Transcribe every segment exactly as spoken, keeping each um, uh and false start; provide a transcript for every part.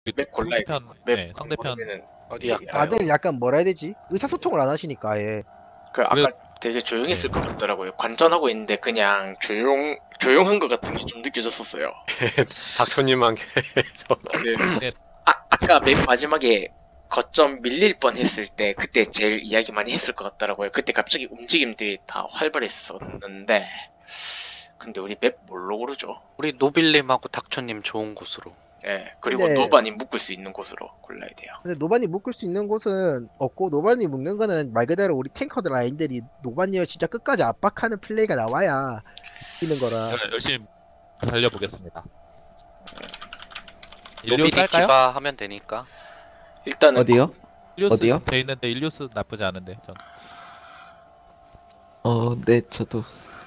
맵 골라야 돼. 상대편 맵 네, 상대편 모르면은 어디 이- 할까요? 다들 약간 뭐라 해야 되지? 의사소통을 안 하시니까 아예. 그 아까 그래- 되게 조용했을 네. 것 같더라고요. 관전하고 있는데 그냥 조용 조용한 것 같은 게 좀 느껴졌었어요. 닥쳐님만 계속. 그 네. 아 아까 맨 마지막에 거점 밀릴 뻔했을 때 그때 제일 이야기 많이 했을 것 같더라고요. 그때 갑자기 움직임들이 다 활발했었는데 근데 우리 맵 뭘로 고르죠? 우리 노빌님하고 닥쳐님 좋은 곳으로. 예 그리고 근데- 노반이 묶을 수 있는 곳으로 골라야 돼요. 근데 노반이 묶을 수 있는 곳은 없고 노반이 묶는 거는 말 그대로 우리 탱커들 라인들이 노반님을 진짜 끝까지 압박하는 플레이가 나와야 이기는 거라. 네, 열심히 달려보겠습니다. 노빌이 일리오스 할까요? 디바 하면 되니까. 일단은 어디요? 일리오스 어디요? 돼 있는데 일리오스 나쁘지 않은데 전. 어, 네, 저도.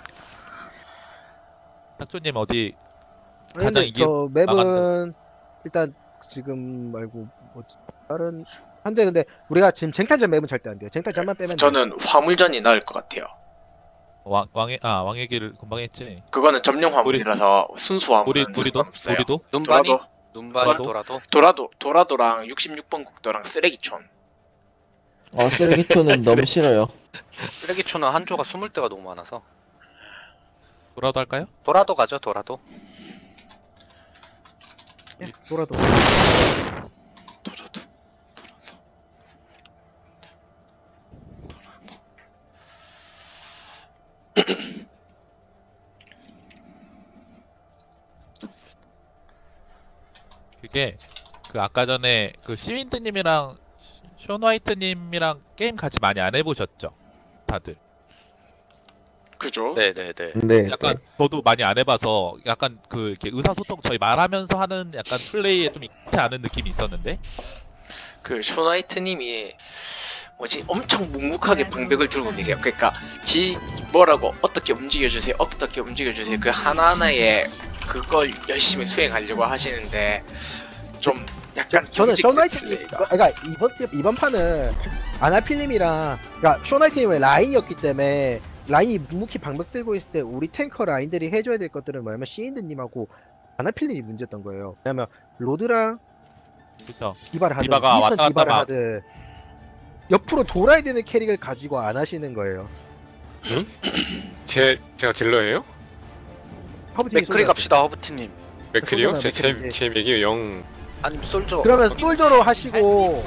탁조님 어디 아니, 가장 근데 이기 저 맵은 나간다. 일단 지금 말고 뭐 다른 현재 근데 우리가 지금 쟁탈전 맵은 절대 안 돼요. 쟁탈전만 빼면 돼요. 저는 화물전이 나을 것 같아요. 왕 왕의 아 왕의 길을 금방 했지. 그거는 점령 화물이라서 순수 화물은 우리 우리도 상관없어요. 우리도 눈반이? 도라도 눈반이 도라도? 돌아도. 도라도 도라도랑 육십육 번 국도랑 쓰레기촌. 어, 쓰레기촌은 너무 싫어요. 쓰레기초는 한조가 숨을 데가 너무 많아서. 돌아도 할까요? 도라도 가죠, 도라도. 예, 돌아도 도라도 도라도 그게 그 아까 전에 그 시윈드님이랑 쇼 화이트님이랑 게임 같이 많이 안 해보셨죠? 다들. 그죠? 네네네. 네. 약간 저도 많이 안 해봐서 약간 그 이렇게 의사소통 저희 말하면서 하는 약간 플레이에 좀 익지 않은 느낌이 있었는데 그 쇼나이트님이 뭐지 엄청 묵묵하게 방벽을 들고 계세요. 그러니까 지 뭐라고 어떻게 움직여주세요, 어떻게 움직여주세요. 그 하나하나의 그걸 열심히 수행하려고 하시는데 좀 약간 저는 경직된 쇼나이트 플레이가. 그러니까 이번 이번 판은 아나필님이랑 그러니까 쇼나이트님의 라인이었기 때문에 라인이 묵묵히 방벽 들고 있을 때 우리 탱커 라인들이 해줘야 될 것들은 뭐냐면 시인드님하고 아나필님이 문제였던 거예요. 왜냐면 로드랑 그렇죠. 디바를 하든 디바가 윈스턴 왔다 갔다 디바를 막- 하든 옆으로 돌아야 되는 캐릭을 가지고 안 하시는 거예요. 제 제가 딜러예요? 허브팀이 맥크리 솔저였어요. 갑시다, 허브티님. 맥클이요? 솔저나 제제 맥클인데. 제 맥이 영. 아니, 솔저. 그러면 솔저로 하시고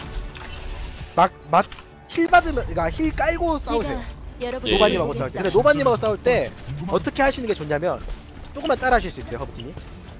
막막 힐 받으면 그러니까 힐 깔고 싸우세요. 여러분 예, 노바님하고 예. 싸울 때. 근데 노바님하고 싸울 때 어떻게 하시는 게 좋냐면 조금만 따라 하실 수 있어요, 허브팀이.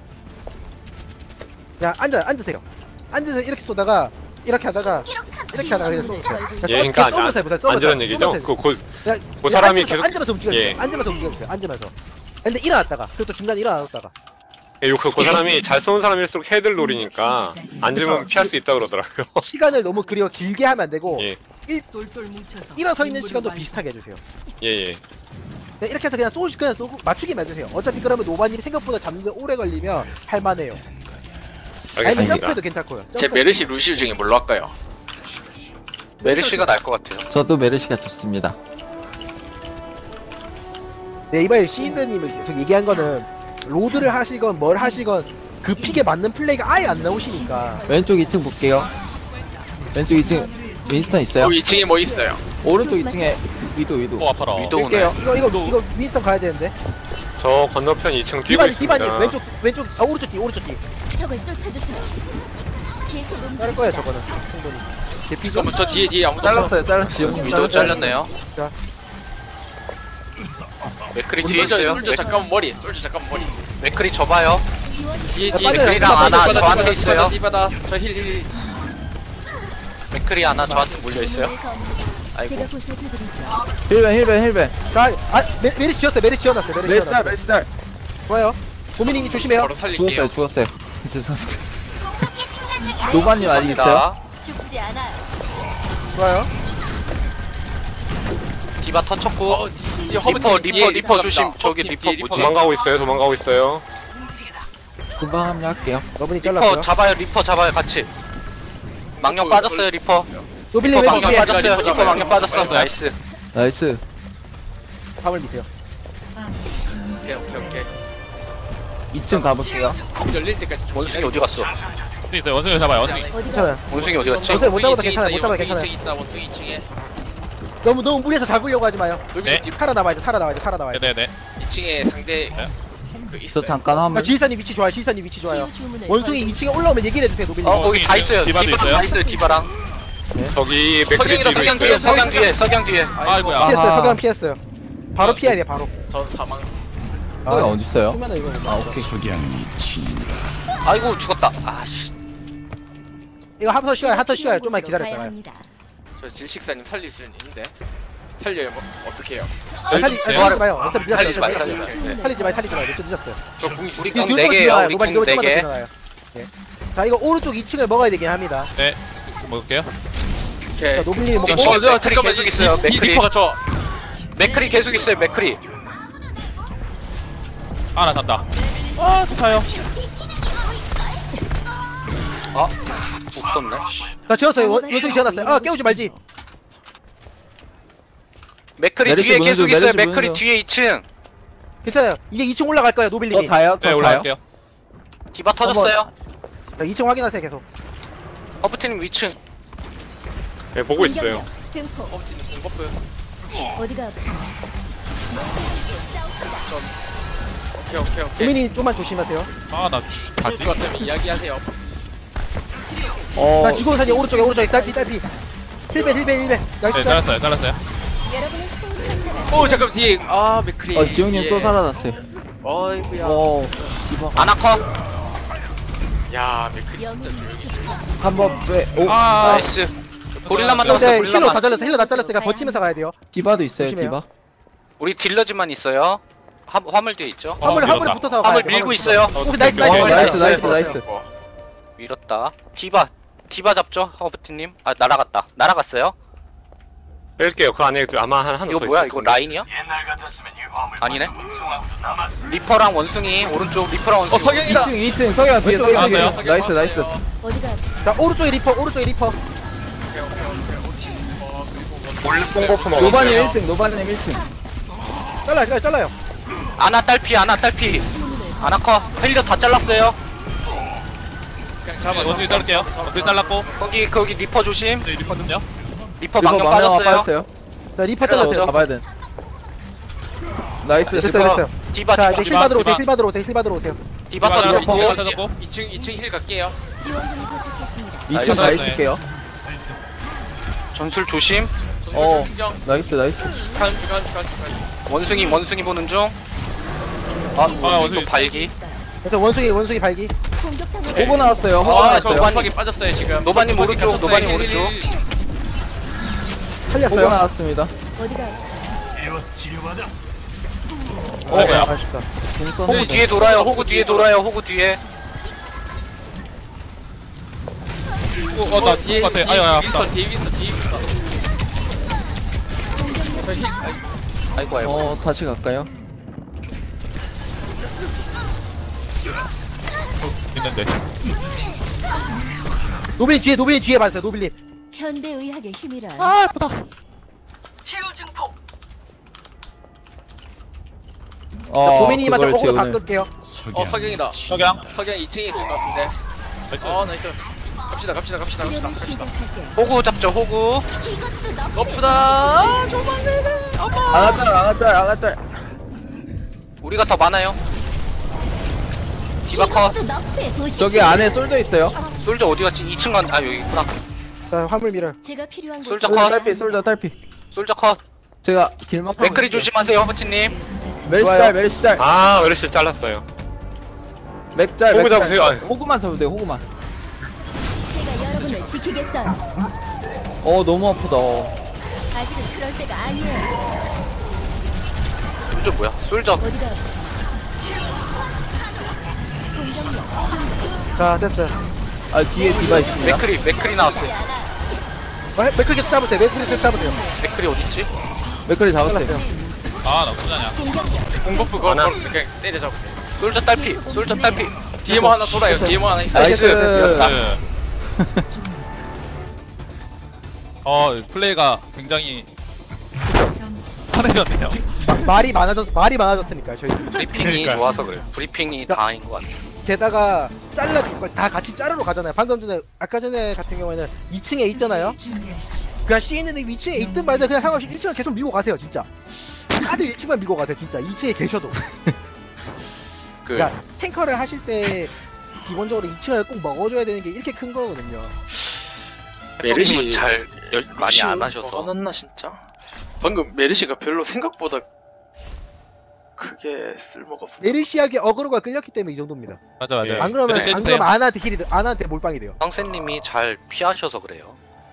그냥 앉아 앉으세요. 앉아서 이렇게 쏘다가 이렇게 하다가 이렇게 하다가 그냥 쏘세요. 예, 그러니까 안- 쏘면서 해보세요. 쏘면서. 안전한 얘기죠? 쏘면서 그, 그, 그냥 그 사람이 앉으면서, 계속- 앉으면서 움직여주세요. 예. 앉으면서 움직여주세요. 앉으면서. 근데 일어났다가 그리고 또 중간에 일어났다가 예, 그, 그 사람이 잘 쏘는 사람일수록 헤드를 노리니까 앉으면 피할 수 있다 그러더라고요. 시간을 너무 그리워 길게 하면 안 되고 예, 일어서 있는 시간도 비슷하게 해주세요. 예, 예. 그냥 이렇게 해서 그냥 쏘 그냥 쏘고 맞추기만 해주세요. 어차피 그러면 노바님이 생각보다 잡는데 오래 걸리면 할만해요. 아니면 알겠습니다. 점프해도 괜찮고요. 제 점프. 메르시 루시우 중에 뭘로 할까요? 메르시가 날 것 같아요. 저도 메르시가 좋습니다. 네, 이번에 시인드님이 계속 얘기한 거는 로드를 하시건 뭘 하시건 그 픽에 맞는 플레이가 아예 안 나오시니까 왼쪽 이 층 볼게요. 왼쪽 이 층 윈스턴 있어요? 그 이 층에 뭐 있어요? 오른쪽 이 층에 위도 위도. 어 아파라. 위도 오네. 뺄게요. 이거 이거 이거 윈스턴 가야 되는데 저 건너편 이 층 뛰고 디바니 있습니다. 디바니 왼쪽 왼쪽 아 오른쪽 뒤 오른쪽 뒤 적을 쫓아주세요. 계속 자를 거예요 저거는 충분히 개피죠? 그럼 저 뒤에 뒤에 아무도 잘랐어요, 잘랐어요. 지영님 위도 잘랐어요. 잘렸네요. 자. 맥크리 우리 뒤에 솔저 있어요. 솔저 맥- 잠깐만 머리 솔저 잠깐만 머리 맥크리 접어요. 뒤에 야, 뒤에 빠져요. 맥크리랑 빠져요. 하나 빠져요. 저한테 빠져요. 있어요. 디바다 저힐힐 맥크리 하나 저한테 물려 있어요. 아이고. 제가 보살펴드리죠. 힐벤, 힐벤, 힐벤. 자, 아 메, 메리시 지었어요 메리시 지어놨어요 메리시 메르시 짤, 지어놨어요 메르시 짤. 좋아요 고민이님 조심해요 바로 살릴게요. 죽었어요, 죽었어요. 죄송합니다. 노바님 아직 있어요? 자, 죽지 않아요. 좋아요 디바 터쳤고. 어, 뒤- 뒤에 리퍼, 허브팀 리퍼, 뒤에 리퍼 있다. 조심. 허브팀 저기 뒤에 리퍼 뭐지? 도망가고 있어요. 도망가고 있어요. 금방 합류할게요. 러브님 리퍼 잘랐어요 잡아요. 리퍼 잡아요. 같이. 망령 리퍼 빠졌어요. 리퍼. 노빌님 리퍼 왼쪽 망령 뒤에 빠졌어요. 리퍼 리퍼 잡아요. 망령 빠졌어. 리퍼 나이스. 나이스. 화물 미세요 오케이 오케이 오케이. 이 층 가볼게요. 열릴 때까지 좀 원숭이 기다려. 어디 갔어? 원숭이 있어요. 원숭이 잡아요. 원숭이. 어디가 괜찮아요. 원숭이 어디 갔지? 원숭이 못 잡아도 원숭이 괜찮아요. 못 있다, 잡아도 원숭이 괜찮아요. 이 층에 있다. 원숭이 이 층에. 너무 너무 무리해서 잡으려고 하지 마요. 네. 살아남아야 돼. 살아남아야 돼. 살아남아야 돼. 네네네. 이 층에 상대 그 저 있어요. 잠깐 자, 화물. 지휘사님 위치 좋아요. 지휘사님 위치 좋아요. 치유 주문을 원숭이 이 층에 올라오면 얘기를 해주세요. 노빌님. 어 거기 다 있어요. 디바도 디바 있어요? 다 있어요. 디바랑. 저기 맥크리 석양이다, 뒤로 석양 있어요. 뒤에 석양 뒤에 석양 뒤에. 아이고야. 피했어요. 아하. 석양 피했어요. 바로 피해야 돼. 바로. 전 사망. 거기 어디 있어요? 수면은 이거 못 아 맞아. 오케이. 아이고 죽었다. 아씨. 이거 한터 쉬어요. 한터 쉬어요. 필요한 좀만 곳으로 가야 기다렸다가요. 합니다. 저 질식사님 살릴 수는 있는데 살려요. 뭐 어떻게 해요? 아, 살리 네. 살리지 마요. 어차피 늦었어요. 살리지 마요, 어차피 살리지 늦었어요. 마요. 네. 살리지 마요. 살리지 마요. 어차피 늦었어요. 저 궁이 우리 이거 궁 뒤로 네 개요. 들어가요. 우리 노발 이거 궁 네 좀만 더 개. 지나가요. 예. 자 이거 오른쪽 이 층을 먹어야 되긴 합니다. 네. 먹을게요. 오케이. 자 노빌님이 먹고 어, 어, 저 저 맥크리 잠깐만 계속 이- 있어요, 이- 이 맥크리. 리퍼가 저 맥크리 계속 있어요. 맥크리. 아, 나 간다. 아, 좋다요. 아 없었네. 씨. 자 지었어요. 원- 원숭이 지어놨어요. 아 깨우지 말지. 맥크리 메르시 뒤에 무는 계속 중, 있어요. 메르시 맥크리 무는 중. 뒤에 이 층. 괜찮아요. 이게 이 층 올라갈 거예요. 노빌님이. 저 자요? 네, 저 자요? 올라갈게요. 디바 터졌어요. 자, 이 층 확인하세요 계속. 허브팀 위층. 네, 보고 있어요. 증폭. 엄지는 공버프. 어디가 아프세요? 오케이 오케이 오케이. 도민이 좀만 조심하세요. 아, 나 죽을 것 같으면 이야기하세요. 어. 자 지구원사님 오른쪽에 오른쪽에 딸피 딸피. 힐벤 힐벤 힐벤. 나이스. 네, 잘랐어요. 잘랐어요. 여러분의 소원천사가 오 잠깐 뒤에 아 맥크리. 어 지용님 뒤에. 또 살아났어요. 어이구야. 어. 이거 아나커. 야 맥크리 진짜 영웅 조용히. 축전. 한번 빼. 오. 아, 나이스. 고릴라만 근데 남았어. 힐러 다 고릴라만. 잘렸어. 힐러 다 잘렸으니까 버티면서 가야 돼요. 디바도 있어요. 조심해요. 디바. 우리 딜러즈만 있어요. 화, 화물 뒤에 있죠. 어, 화물 화물 밀었다. 붙어서 화물 가야 돼. 밀고 화물 있어요. 붙어서. 오케이, 나이스 어, 나이스 나이스, 나이스. 나이스, 나이스. 밀었다. 디바. 디바 잡죠. 허브팀님. 아 날아갔다. 날아갔어요. 뺄게요. 그 안에 아마 한 하나 이거 더 뭐야? 있을 이거 텐데. 라인이야? 아니네. 리퍼랑 원숭이 오른쪽 리퍼랑 원숭이. 어 석양이다. 이 층 이 층 석양 뒤에 왼쪽에 석양 뒤에. 나왔어요. 나이스 나이스. 어디가 아프세요? 자 오른쪽에 리퍼 오른쪽에 리퍼. 뽕버프 먹었어요. 노바님 일 층 노바님 일 층. 잘라요 잘라요 잘라요. 아나 딸피 아나 딸피. 아나커 헬리더 다 잘랐어요. 그냥 잡아. 원숭이 자를게요. 원숭이 잘랐고. 거기 거기 리퍼 조심. 네, 리퍼는요? 리퍼 이거 망령 망령아 빠졌어요. 빠졌어요. 자 리퍼 헬러 잘랐어요. 오죠. 잡아야 돼. 나이스. 됐어요 됐어요. 디바 자 디바 이제 힐 받으러 오세요. 디바. 힐 받으러 오세요. 힐 받으러 오세요. 디바 디바 터져. 디바. 이층 터졌고. 이층 이층 힐 갈게요. 지원군이 도착했습니다. 이 층 가 나이스. 있을게요. 전술 조심. 어. 인정. 나이스 나이스. 간 간 간 간. 원숭이 원숭이 보는 중. 아 원숭이 또 원숭이. 발기. 그래서 원숭이 원숭이 발기. 공격당한 호구 나왔어요. 호구 아, 나왔어요. 저 노반이 빠졌어요 지금. 노바님 노반이 오른쪽, 갇혔어요. 노바님 힐, 오른쪽. 힐, 힐. 호구 살렸어요. 나왔습니다. 어디가 아프세요? 어. 아이고야. 아쉽다. 공 호구 썼는데. 뒤에 돌아요. 호구 뒤에 돌아요. 호구 뒤에. 어, 어, 나 뒤에 같아. 아유, 아유, 아프다. 윈스턴 뒤에 윈스턴 뒤에 윈스턴. 저 힐. 아이, 아이고 아이고. 어 다시 갈까요? 있는데. 노빌 뒤에 노빌 뒤에 봤어요. 노빌님. 현대의학의 힘이란 아, 예쁘다. 어 도민이님한테 그걸 호구 다 재우는. 끌게요. 어 석양이다. 석양. 석양 이 층에 있을 것 같은데. 어 나이스. 갑시다 갑시다 갑시다 갑시다 치료를 갑시다. 시작할게요. 호구 잡죠. 호구. 너프다. 아가짤 아가짤 아가짤. 우리가 더 많아요. 디바커. 이것도 너프의 도시지. 저기 안에 솔져 있어요. 솔저 어디 갔지? 이 층 간. 아 여기 있구나. 자 화물 밀어요. 제가 필요한 솔저 곳으로 컷. 가야 딸피 합니다. 솔져 딸피. 솔저 컷. 제가 길막. 맥크리 조심하세요. 허브티님. 멜시짤 멜시짤. 아, 메르시 잘랐어요. 맥짤 호구 맥짤. 잡으세요. 아니. 호구만 잡으면 돼요. 호구만. 제가 여러분을 지키겠어요. 어 너무 아프다. 아직은 그럴 때가 아니에요. 솔저 뭐야? 솔저. 어디가 아프세요? 공격력 준비. 자 됐어요. 아 뒤에 디바 있습니다. 맥크리 맥크리 나왔어. 하지 않아. 어, 맥클 계속 잡으세요. 맥클 계속 잡으세요. 맥크리 어디 있지? 맥클이 잡았어요. 아, 나 부자냐. 공격력 공버프 그거 하나. 그냥 때려 잡으세요. 솔저 딸피. 솔저 딸피. 뒤에 뭐 하나 돌아요. 뒤에 뭐 하나 있어요. 나이스. 네. 어, 플레이가 굉장히 편해졌네요. 마, 말이 많아졌 말이 많아졌으니까 저희. 브리핑이 그러니까요. 좋아서 그래요. 브리핑이 다인 것 같아. 되다가 잘라줄 걸 다 같이 자르러 가잖아요. 방금 전에 아까 전에 같은 경우에는 이 층에 있잖아요. 그냥 씨엔드님 이 층에 있든 말든 그냥 상관없이 일 층을 계속 밀고 가세요 진짜. 다들 일 층만 밀고 가세요 진짜. 이 층에 계셔도. 그 그러니까 탱커를 하실 때 기본적으로 이 층을 꼭 먹어줘야 되는 게 이렇게 큰 거거든요. 메르시 잘 열, 많이 안 하셔서. 화났나 진짜? 방금 메르시가 별로 생각보다 크게 쓸모가 없어. 메르시아게 어그로가 끌렸기 때문에 이 정도입니다. 맞아 맞아. 예. 안 그러면 메르시 안 해주세요. 그러면 아나한테 힐이 돼- 아나한테 몰빵이 돼요. 황새님이 잘 피하셔서 그래요.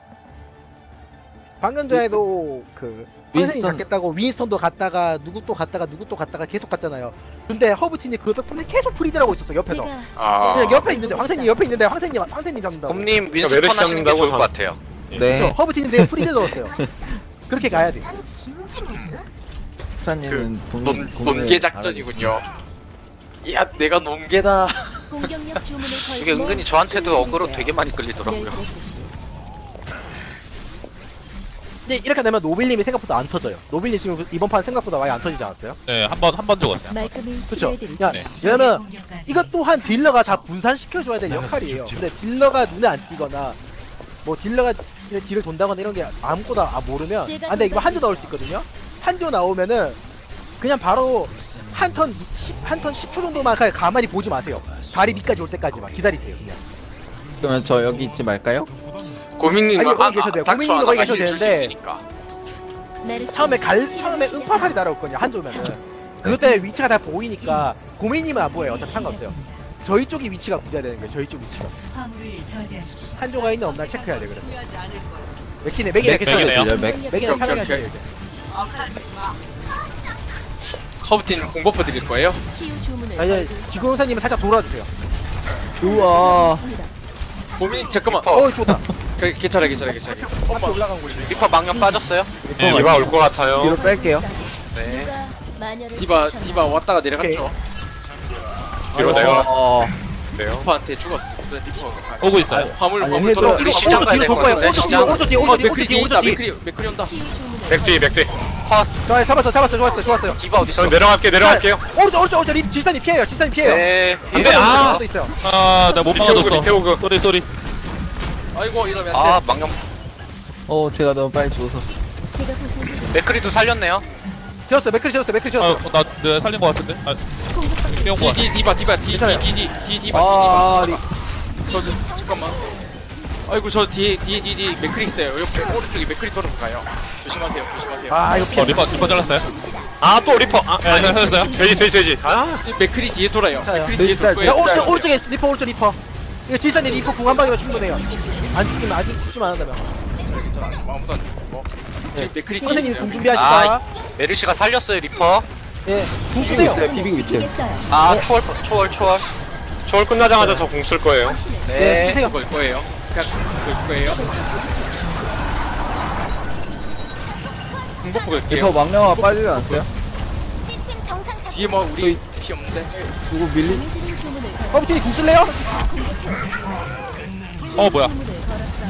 방금 전에도 그 황선이 윈스턴. 잡겠다고 윈스턴도 갔다가 누구 또 갔다가 누구 또 갔다가 계속 갔잖아요. 근데 허브틴이 그 덕분에 계속 프리드라고 있었어 옆에서. 제가 아, 그냥 옆에 있는데 황선이 옆에 있는데 황선이 황선이 잡는다고. 곰님 메르시 윈스턴 하시는 게 잡는다고 좋을 것 다- 같아요. 네. 그렇죠. 허브틴이 되게 프리드 넣었어요. 그렇게 가야 돼. 식사님은 논, 본인 고민을 논개 작전이군요. 야, 내가 논개다. 공격력 주문을 걸고 이게 은근히 저한테도 어그로 되게 많이 끌리더라고요. 근데 이렇게 되면 노빌님이 생각보다 안 터져요. 노빌님 지금 이번 판 생각보다 많이 안 터지지 않았어요? 네, 한 번 한 번 죽었어요. 말끔히 그쵸? 치료해드릴게요. 야, 네. 왜냐면 이것 또한 딜러가 다 분산시켜줘야 될 역할이에요. 근데 딜러가 눈에 안 띄거나 뭐 딜러가 이런 딜을 돈다거나 이런 게 아무거나 아, 모르면 아 근데 이거 한조 나올 수 있거든요? 한조 나오면은 그냥 바로 한 턴 한 턴 십 초 정도만 그냥 가만히 보지 마세요. 다리 밑까지 올 때까지만 기다리세요 그냥. 그러면 저 여기 있지 말까요? 고민님 아니, 거기 계셔도 돼요. 고민님도 거기 계셔도 되는데. 메르시 처음에 갈 처음에 음파살이 날아올거든요 한조면은 그것 때문에 위치가 다 보이니까 고민님은 안 보여요. 어차피 상관없어요. 저희 쪽이 위치가 문제가 되는 거예요. 저희 쪽 위치가 한조가 있나 없나 체크해야 돼. 그래서 맥키네 맥이 이렇게 맥이네요. 써요. 들려요, 맥? 맥이는 오케이, 편하게 오케이, 하셔야 돼. 허브틴 공버프 드릴 거예요? 치유 주문을 아니 걸고 지구용사님은 살짝 돌아주세요. 우와. 고민님 잠깐만. 어 좋다. 그, 괜찮아, 괜찮아, 괜찮아. 한쪽 올라간 곳이. 리퍼 망령 빠졌어요? 네, 디바 올 것 같아요. 뒤로 뺄게요. 네. 누가 마녀를 디바, 찾으셨나요? 디바 왔다가 내려갔죠. 뒤로 내가 어. 네요. 리퍼한테 죽었어. 그래, 리퍼. 오고 있어요. 화물, 아니, 화물 해도- 돌아. 우리 시장 가야 뒤로 될 것 돌 거예요. 같은데. 오른쪽 뒤 시장. 오른쪽 뒤 어, 오른쪽 뒤 맥크리 오른쪽 뒤 뒤에 있다. 오른쪽 뒤. 맥크리, 맥크리 온다. 치유 주문을 백뒤 백뒤. 자 잡았어 잡았어 좋았어 좋았어요. 디바 어디 있어? 저 내려갈게 내려갈게요. 오른쪽 오른쪽 오른쪽 립 질산이 피해요. 질산이 피해요. 네. 안돼 아. 도 있어요. 아, 나 못 리테오그 막아줬어. 리테오그. 쏘리 쏘리. 아이고, 이러면 아 안 돼. 망령. 어, 제가 너무 빨리 죽어서. 제가 보살펴드릴게요. 맥크리도 살렸네요. 지웠어 맥크리 지웠어 맥크리 아, 지웠어. 나 내가 살린 거 같은데. 아, 공격받고 뛰어온 거 디, 같아. 디, 디바, 디바, 디, 괜찮아요. 디, 디, 디, 디바, 아, 리, 디바. 저, 저, 잠깐만. 아이고, 저 뒤에, 뒤에, 뒤에, 뒤에 맥크리 있어요. 옆에 오른쪽에 맥크리 돌아서 가요. 조심하세요, 조심하세요. 아 이거 어, 피해. 리퍼 리퍼 잘랐어요. 아 또 리퍼. 아 네, 네, 살렸어요. 돼지 돼지 돼지. 아 이 맥크리 뒤에 돌아요. 자요. 맥크리 뒤에 뱃살, 돌 야 거예요. 오른쪽 오른쪽에 리퍼 오른쪽 리퍼. 이거 질산이 리퍼 궁 한 방이면 충분해요. 안 죽기면 아직 죽지만 않는다면. 괜찮아, 괜찮아. 아무도 안 죽고. 지금 맥크리 뒤에 선생님 있어요. 궁 준비하시다. 메르시가 살렸어요 리퍼. 예. 궁 비비고 주세요. 있어요, 비비고 있어요. 지키겠어요. 아 초월 초월 초월. 저울 끝나자마자 저 공 쓸 거예요. 네. 네. 주세요. 걸 거예요. 그냥 걸 거예요. 공버프 걸게요. 리퍼 망령아 빠지지 않았어요? 시스템 정상 작동. 뒤에 뭐 우리 피 없는데. 누구 밀리? 강해지는 주문을 걸었어요. 허브틴이 궁 쓸래요? 어, 뭐야? 주문을 걸었어요.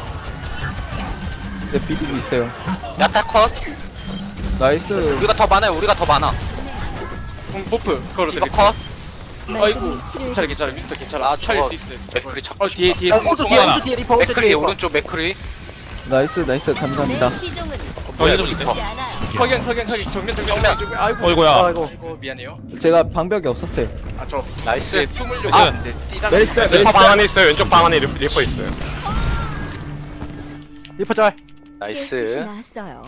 네, 비비고 있어요. 야타 컷. 나이스. 우리가 더 많아요. 우리가 더 많아. 공버프 디바 걸어드릴게요. 컷. 아이고, 말끔히 치료해 괜찮아, 괜찮아. 윈터 괜찮아. 아, 살릴 저거 수 있어요. 맥크리 잡고 어, 뒤에, 뒤에. 아, 오른쪽 뒤에 하나. 오른쪽 뒤에 리퍼 오른쪽 맥크리 뒤에 리퍼. 오른쪽 맥크리. 나이스, 나이스. 감사합니다. 내 시종은 어, 좀 주세요. 보지 않아요. 석양, 석양, 석양. 정면, 정면, 정면. 정면. 아이고, 어이구야. 아이고. 아이고, 미안해요. 제가 방벽이 없었어요. 아, 저 나이스. 네, 숨을 좀 아, 했는데 뛰다. 메리스, 리퍼 메리스. 방 안에 있어요. 왼쪽 방 안에 리- 리퍼 있어요. 리퍼 짤. 깨끗이 나이스. 나았어요.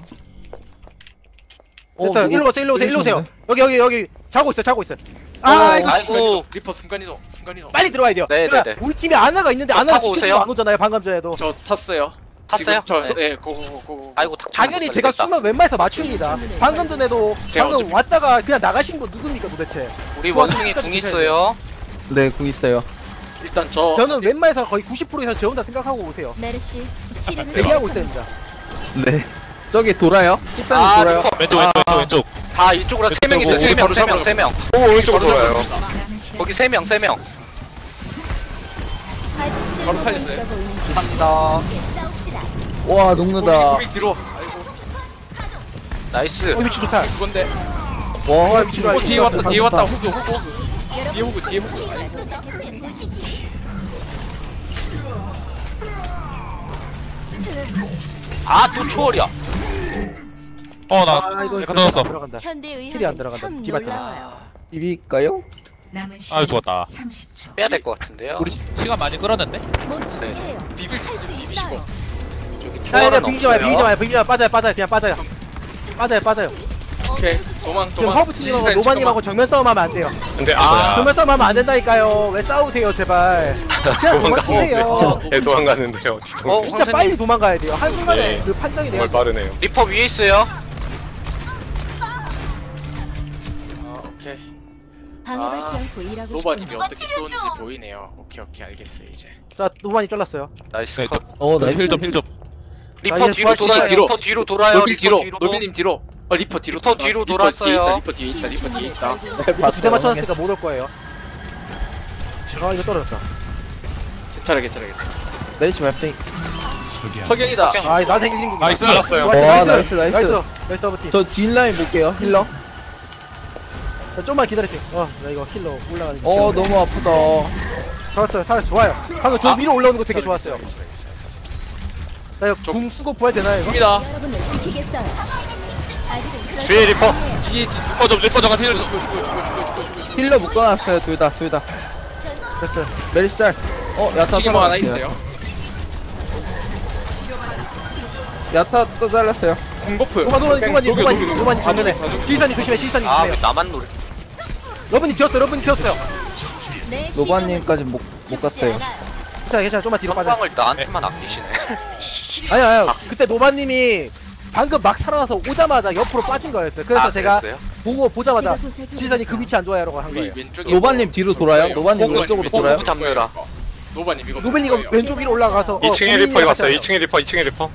어, 됐어요. 누구 일로 오세요. 일로 오세요. 일로 오세요. 때리셨네. 여기 여기 여기 자고 있어. 자고 있어. 어, 아 이거 아이고. 아이고, 리퍼 순간이동, 순간이동. 빨리 들어와야 돼요. 네, 그러니까 네, 네. 우리 팀에 아나가 있는데 저 아나가 타고 지켜주고 오세요. 안 오잖아요. 방금 전에도. 저 탔어요. 탔어요? 지금 저, 네. 네, 고고고고. 아이고 탁. 당연히 제가 숨을 웬만해서 맞춥니다. 방금 전에도 제가 방금 어차피- 왔다가 그냥 나가신 거 누굽니까 도대체? 우리 원숭이 궁 있어요. 네, 궁 있어요. 일단 저 저는 웬만해서 거의 구십 퍼센트 이상 저 혼자 생각하고 오세요. 메르시 치료를 대기하고 시작합니다. 있습니다. 네. 저기 돌아요? 식사님 아, 돌아요? 리퍼. 왼쪽 왼쪽 왼쪽 왼쪽. 다 이쪽으로 세 명 있어요. 세 명, 세 명, 세 명. 오 오른쪽으로 돌아요. 거기 세 명, 세 명. 아직 바로 쓸모가 살렸어요. 있어 보이는 감사합니다. 함께 싸웁시다. 와, 녹는다. 고비 뒤로. 아이고, 나이스. 어 위치 좋다. 그건데. 와, 위치 좋아. 어, 뒤에 왔다, 뒤에 왔다. 호그, 호그, 호그. 뒤에 보고 뒤에 보고. 도착했으니 보시지. 아 또 초월이야. 어나 아 이거 내가 넣었어. 들어간다. 현대 킬이 안 의학은 들어간다. 참 디바 놀라워요. 비빌까요? 아유 죽었다. 빼야 될 것 같은데요. 우리 시- 시간 많이 끌었는데? 못 네. 이겨요. 비빌 수 할 있어 수 비비시고. 있어요. 저기 자, 초월은 얘들 비비지 마요, 비비지 없어요. 마요, 비비지 마요. 빠져요, 빠져요, 그냥 빠져요. 빠져요, 빠져요. 오케이 도망 지금 도망. 허브팀하고 지지사님 노바님하고 정면 싸움하면 안 돼요. 근데 아 정면 싸움하면 안 된다니까요. 왜 싸우세요, 제발. 그냥 도망치세요. 잠깐만. 네, 도망가는데요. 어, 뒤통수 진짜 선생님. 빨리 도망가야 돼요. 한 순간에 네. 그 판정이 돼야 정말 돼요. 빠르네요. 리퍼 위에 있어요. 아 오케이. 방해받지 아, 않고 일하고 노바님이 싶구나. 어떻게 쏘는지 보이네요. 오케이 오케이 알겠어요 이제. 자, 노바님 잘랐어요. 나이스 네, 컷. 어 나이스. 힐좀 힐 좀. 리퍼 자, 이제 뒤로 부활 돌아요. 뒤로. 리퍼 뒤로 돌아요. 노빌 리퍼 뒤로. 뒤로. 노빌님 뒤로. 어 리퍼 뒤로. 리퍼 뒤로 리퍼 돌았어요. 뒤에 있다. 리퍼 뒤에 있다. 리퍼 뒤에 있다. 이거 두대 맞춰놨으니까 못 올 거예요. 아, 이거 떨어졌다. 괜찮아 괜찮아 괜찮아. 메리시 말팽이. 석영이다. 아, 나한테 힐링 중. 나이스. 알았어요. 와, 나이스, 나이스. 나이스. 나이스 허브팀. 저 뒷라인 볼게요. 힐러. 자, 좀만 기다리세요. 어, 나 이거 힐러 올라가는 거. 어 너무 아프다. 좋았어요. 사 좋아요. 방금 저 아, 위로 올라오는 거 되게 좋았어요. 괜찮아, 괜찮아, 괜찮아. 자, 이거 궁 쓰고 부활 되나요, 이거? 갑니다. 여러분을 지키겠어요. 아직은 그럴 뒤에 수 리퍼. 아니에요. 뒤에 리퍼 좀 리퍼 좀 같이 힐 좀. 힐러 묶어놨어요. 둘 다, 둘 다. 됐어요. 메리시 짤. 어 야타 지금 뭐 하나 살아났어요. 있어요. 야타 또 잘랐어요. 공고프. 노바, 노바, 노바님, 녹여, 노바님, 녹여, 노바님 녹여. 정면에. 다 녹여. 지휘사님 조심해, 지휘사님 아 왜 조심해요. 나만 노래? 러브님 튀었어요, 러브님 튀었어요. 내 노바님까지 못, 못 죽지 갔어요. 않아요. 괜찮아, 괜찮아. 좀만 뒤로 빠져. 성광을 나한테만 아끼시네. 아니야, 아니야. 그때 노바님이 방금 막 살아나서 오자마자 옆으로 빠진 거였어요. 그래서 아, 제가 그랬어요? 보고 보자마자 제가 보살펴 지휘사님 그 위치 안 좋아요라고 한 우리 거예요. 왼쪽에 노바님 뒤로 돌아요? 노바님 호그, 왼쪽으로 왼쪽 돌아요? 호그 잡느라. 노바님 이거 노벨 이거 거예요. 왼쪽 위로 올라가서 이 층에 어, 리퍼 고민이 갔어요. 같이 이 층에 리퍼, 이 층에 리퍼.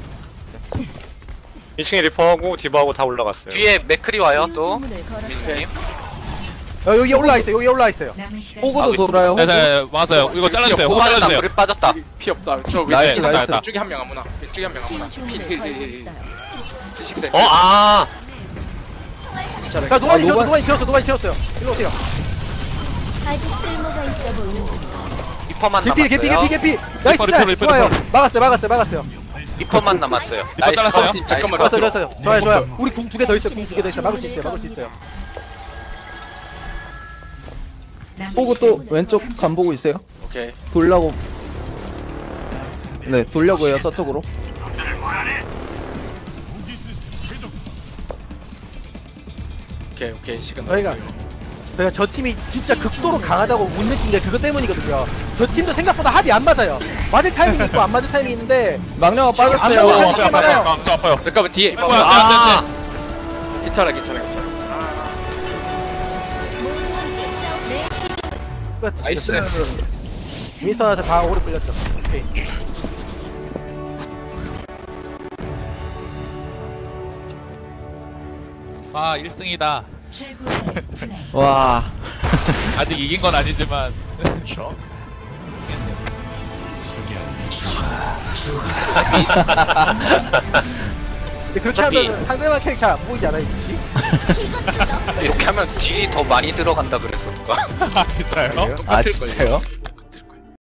이 층에 리퍼하고 디바하고 다 올라갔어요. 뒤에 맥크리 와요 또. 주문을 걸었어요. 민님. 어, 여기 올라와 있어요. 여기 올라와 있어요. 호구도 돌아요. 네, 네, 맞아요. 이거 잘라주세요. 호구 빠졌다. 잘라주세요. 불이 빠졌다. 피 없다. 저 나이스, 왼쪽에 나이스. 왼쪽에 한 명 아무나. 왼쪽에 한 명 아무나. 치유 주문을 걸고 필필필필. 있어요. 필식세. 어, 아! 괜찮아. 자, 노바님 아, 튀었어, 노바- 노바님 튀었어, 노바님 튀었어요. 일로 오세요. 아직 쓸모가 있어 보이는 리퍼만 개피, 개피, 남았어요. 개피, 개피. 나이스, 리퍼, 짤. 리퍼, 좋아요. 리퍼. 막았어요, 막았어요, 막았어요. 리퍼만 남았어요. 나이스 잘랐어요? 컷. 나이스 잠깐만, 컷. 좋았어요, 좋았어요. 좋아요, 좋아요. 우리 궁 두 개 더 있어요, 궁 두 개 더 있어요. 막을 수 있어요, 막을 수 있어요. 호구 또 왼쪽 간 보고 있어요. 오케이. 돌라고. 네, 돌려고 해요, 서쪽으로. 오케이 오케이 시간 저희가 저희가 저 팀이 진짜 극도로 강하다고 못 느낀 게 그것 때문이거든요. 저 팀도 생각보다 합이 안 맞아요. 맞을 타이밍이 있고 안 맞을 타이밍이 있는데 망령아 안 빠졌어요. 먹어요. 어, 저 아파요. 저 아파요. 잠깐만 뒤에. 리퍼 안 돼, 안 돼, 안 돼. 괜찮아 괜찮아 괜찮아. 끝. 나이스. 윈스턴한테 다 오래 끌렸죠. 오케이. 아, 일 승이다. 와. 아직 이긴 건 아니지만. 그렇죠. 근데 그렇게 어차피- 하면 상대방 캐릭터 잘 안 보이지 않아요, 그치? 이렇게 하면 딜이 더 많이 들어간다 그래서 누가. 아, 진짜요? 아 진짜요?